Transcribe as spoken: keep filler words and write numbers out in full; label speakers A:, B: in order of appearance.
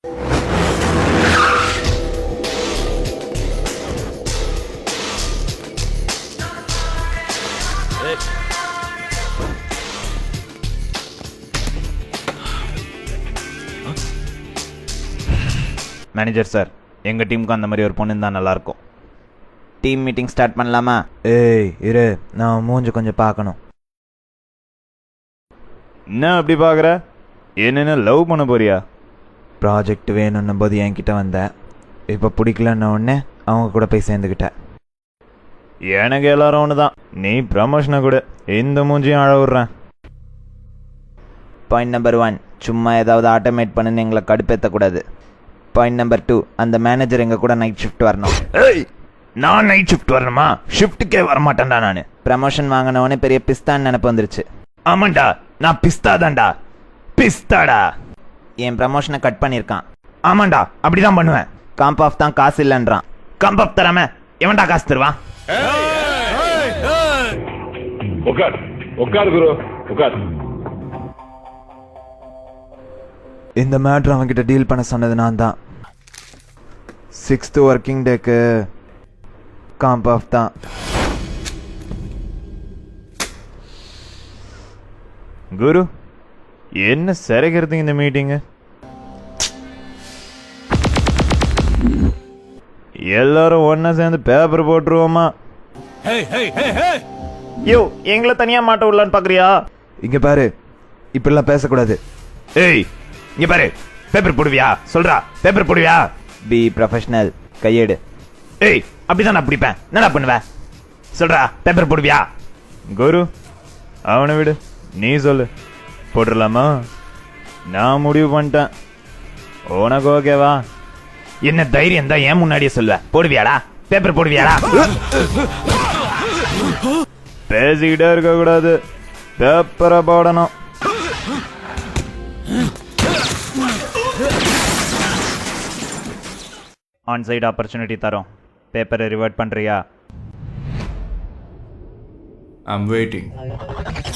A: Manager sir, எங்கள் டீமுக்கு அந்த மாதிரி ஒரு பொண்ணு இருந்தால் நல்லாயிருக்கும்.
B: டீம் மீட்டிங் ஸ்டார்ட் பண்ணலாமா?
C: ஏய் இரு, நான் மூஞ்சி கொஞ்சம் பார்க்கணும்.
A: என்ன அப்படி பார்க்குற? என்னென்ன லவ் பண்ண போறியா?
C: ப்ராஜெக்ட் வேணும்னும் போது என்கிட்ட வந்தேன், இப்போ பிடிக்கலன்ன உடனே அவங்க கூட போய் சேர்ந்துக்கிட்டேன்.
A: எனக்கு எல்லாரும் ஒன்று தான். நீ ப்ரமோஷனை கூட இந்த மூஞ்சியும் அழ விட்றேன்.
B: பாயிண்ட் நம்பர் ஒன், சும்மா ஏதாவது ஆட்டோமேட் பண்ணுன்னு எங்களை கடுப்பேற்றக்கூடாது. பாயிண்ட் நம்பர் டூ, அந்த மேனேஜர் எங்கள் கூட நைட் ஷிஃப்ட் வரணும்.
A: ஏய், நான் நைட் ஷிஃப்ட் வரணுமா? ஷிஃப்ட்டுக்கே வரமாட்டேன்டா நான்.
B: ப்ரமோஷன் வாங்கினவொடனே பெரிய பிஸ்தான்னு நினப்பு வந்துருச்சு.
A: ஆமாண்டா, நான் பிஸ்தா தான்டா. பிஸ்தாடா.
B: என் ப்ரமோஷனை கட் பண்ணியிருக்கான்.
A: ஆமாண்டா, அப்படிதான் பண்ணுவேன்.
B: காம்ப் ஆஃப் தான் காசு இல்லைன்றான்.
A: காம்ப் ஆஃப் தராம எவன்டா காசு தருவான்?
D: உட்கார் உட்கார் குரு உட்கார்.
C: இந்த மேட்ரு அவன்கிட்ட டீல் பண்ண சொன்னது நான் தான். சிக்ஸ்த்து ஒர்க்கிங் டேக்கு காம்ப் ஆஃப் தான்.
A: குரு, என்ன சிறைக்கிறது இந்த மீட்டிங்கு? எல்லாரும் ஒன்னா சேர்ந்து பேப்பர் போட்டுருவோமா? யோ, எங்களை தனியா மாட்ட விடலான்னு பாக்குறியா?
C: இங்க பாரு, இப்படிலாம் பேசக்கூடாது.
A: ஏய், இங்க பாரு, பேப்பர் போடுவியா? சொல்றா, பேப்பர் போடுவியா?
B: பி ப்ரொஃபஷனல், கையேடு.
A: ஏய், அப்படிதான் நான் பிடிப்பேன். என்னடா பண்ணுவேன்? சொல்றா, பேப்பர் போடுவியா? குரு, அவனை விடு, நீ சொல்லு. போட்டுடலாமா? நான் முடிவு பண்ணிட்டேன். உனக்கு ஓகேவா? என்ன தைரியம் தான் ஏன் முன்னாடியே சொல்லுவ? போடுவியாடா? பேப்பர் போடுவியாடா? பேசிக்கிட்டே இருக்க கூடாது, பேப்பரை போடணும். ஆன் சைடு ஆப்பர்ச்சுனிட்டி தரோம். பேப்பரை ரிவர்ட் பண்றியா?
E: I'm waiting.